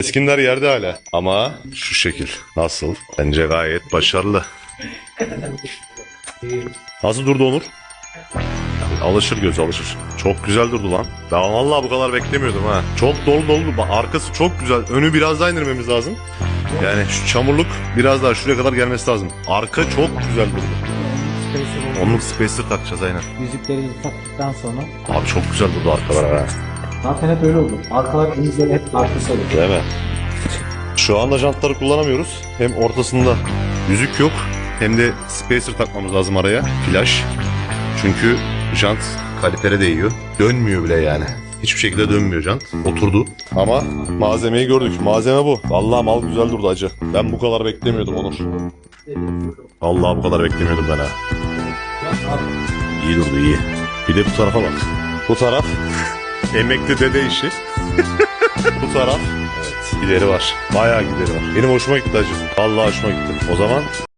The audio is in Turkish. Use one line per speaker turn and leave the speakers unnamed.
Eskiler yerde hala. Ama şu şekil. Nasıl? Bence gayet başarılı. Nasıl durdu Onur? Alışır göz alışır. Çok güzel durdu lan. Ben vallahi bu kadar beklemiyordum ha. Çok dolu dolu. Bak, arkası çok güzel. Önü biraz daha indirmemiz lazım. Yani şu çamurluk biraz daha şuraya kadar gelmesi lazım. Arka çok güzel durdu. Onun spacer takacağız aynen.
Yüzükleri taktıktan sonra
Abi çok güzel durdu arkalar ha.
zaten hep öyle olur. Arkalar yüzükleri hep arkası olur.
Değil mi? Şu anda jantları kullanamıyoruz. Hem ortasında yüzük yok hem de spacer takmamız lazım araya. Flash. Çünkü jant kalipere değiyor. Dönmüyor bile yani. Hiçbir şekilde dönmüyor jant. Oturdu. Ama malzemeyi gördük. Malzeme bu. Vallahi mal güzel durdu acı. Ben bu kadar beklemiyordum Onur. Vallahi bu kadar beklemiyordum ben ha. İyi durdu iyi. Bir de bu tarafa bak. Bu taraf emekli dede işi. Bu taraf evet, gideri var. Bayağı gideri var. Benim hoşuma gitti acı. Vallahi hoşuma gitti. O zaman